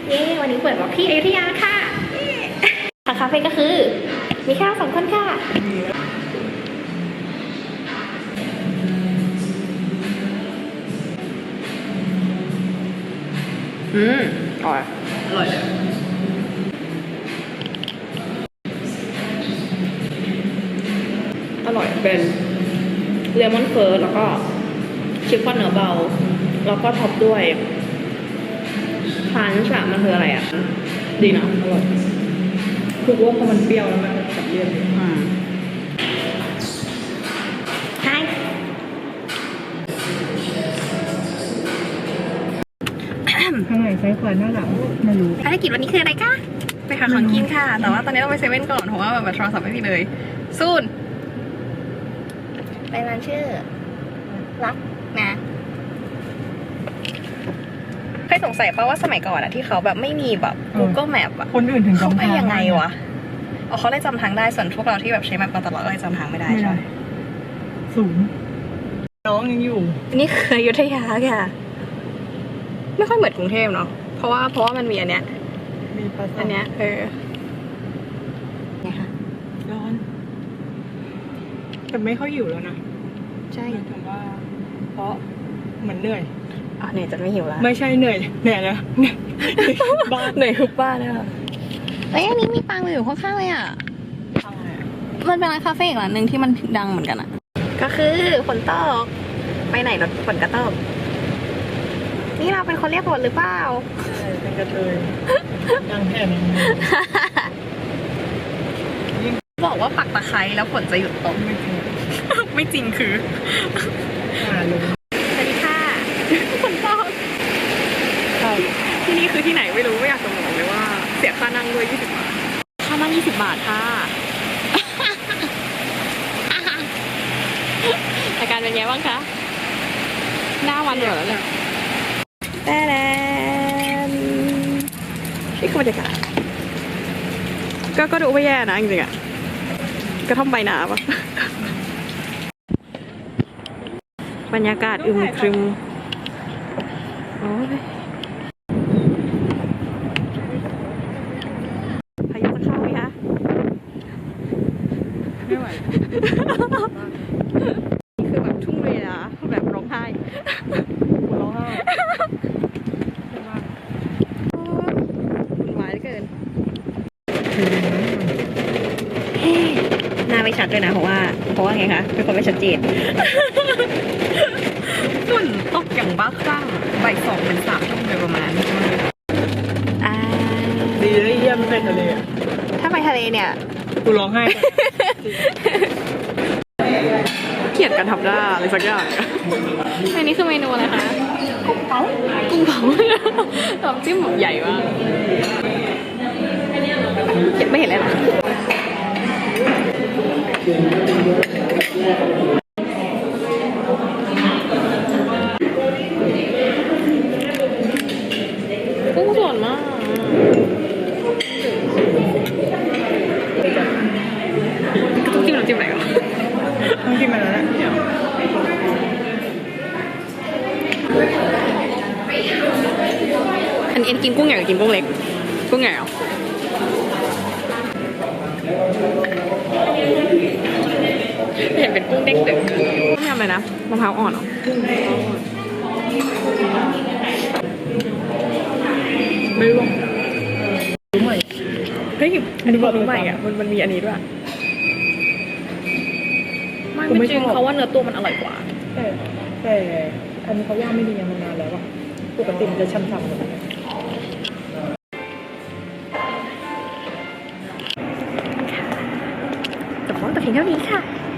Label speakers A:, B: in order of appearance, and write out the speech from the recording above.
A: เย้วันนี้เปิดบล็อกที่อยุธยาค่ะทางคาเฟ่ก็คือมีแค่2 คนค่ะอร่อยอร่อยเลยอร่อยเป็นเลมอนเฟิร์สแล้วก็ชิฟฟ่อนเนื้อเบาแล้วก็ท็อปด้วยพันช์มันคืออะไรอ่ะดีนะอร่อยคือว่าพอมันเปรี้ยวแล้วมันกับเลี่ยนใช่
B: ข้างไหนซ้ายขวาหน้าหลังไม่รู้
A: ภารกิจวันนี้คืออะไรคะไปหาของกินค่ะแต่ว่าตอนนี้ต้องไปเซเว่นก่อนเพราะว่าแบบโทรศัพท์ไม่มีเลยซูนไปร้านชื่อรักนะเคยสงสัยป่ะว่าสมัยก่อนอะที่เขาแบบไม่มีแบบ Google Map อะ
B: คนอื่นถึง
A: เขาไปยังไงวะเขาเลยจำทางได้ส่วนพวกเราที่แบบใช้แมปมาตลอดก็เลยจำทางไม่ได้ใช่
B: สูงน้องยังอยู่
A: นี่คืออยุธยาค่ะไม่ค่อยเหมือนกรุงเทพเนาะเพราะว่ามันมีอันเนี้ย
B: มีปลาอั
A: นเนี้ยไงคะ
B: ร้อนแต่ไม่ค่อยอยู่แล้วนะ
A: ใช่
B: ถึงว่าเพราะเหมือนเหนื่อย
A: เหนื่อยจนไม่หิวแล้ว
B: ไม่ใช่เหนื่อยแล้ว
A: บ้านเหนื่อยทุกบ้านเลยค่ะเอ้ยอันนี้มีปังอยู่ข้างๆเลยอ่ะมันเป็นร้านคาเฟ่อีกร้านหนึ่งที่มันดังเหมือนกันอ่ะก็คือฝนตกไปไหนรถฝนกระตกนี่เราเป็นคนเรียกฝนหรือเปล่า
B: เป็นกระเทยดังแค่นั้น
A: บอกว่าปักตะไคร้แล้วฝนจะหยุดตกไม่จริงคือสวัสดีค่ะฝนตกที่นี่คือที่ไหนไม่รู้ไม่อยากจะบอกเลยว่าเสียค่านั่งด้วย20 บาทค่านั่ง20 บาทค่ะอาการเป็นไงบ้างคะหน้าวันเหรอเนี่ยแต่นี่คือบรรยากาศก็ดูไม่แย่นะจริงๆอ่ะกระท่อมใบหนาปะบรรยากาศอึมครึมโอ้ยพายุจะเข้าไหมคะ
B: ไม่ไหว
A: นี่คือแบบทุ่งเลยนะแบบร้องไห้
B: ร้องไห้
A: หวานเหลือเกินหน้าไม่ชัดด้วยนะเพราะว่าไงคะเป็นคนไม่ชัดเจนฝนตกอย่างบ้าคลั่งบ่าย 2 ถึง 3 ทุ่มโดยประมาณ
B: ดีเลยเยี่ยมไปทะเล
A: ถ้าไปทะเลเนี่ย
B: กูร้องไห้
A: เกลียดกันทำหน้าอะไรสักอย่างอันนี้คือเมนูอะไรคะกุ้งเผาน้ำจิ้มแบบใหญ่มากไม่เห็นเลยหรอกุ้งสดมากต้องจิ้มน้ำจิ้มไหนก่อน
B: ต้องจิ้มอะไรนะ
A: อันกินกุ้งใหญ่หรือกินกุ้งเล็กกุ้งใหญ่เหรอเห็นเป็นกุ้งเด็กตึกต้องทำอะไรนะมะพร้าวอ่อนเหรอ
B: ไม่รู้ใหม่
A: เฮ้ยอันนี้บอกรู้ใหม่อ่ะมันมีอันนี้ด้วยไม่จริงเขาว่าเนื้อตัวมันอร่อยกว่า
B: แต่อันนี้เขาย่างไม่ดีมานานแล้วอ่ะปกติมันจะช่ำๆเลย
A: แต่เพียงเท่านี้ค่ะ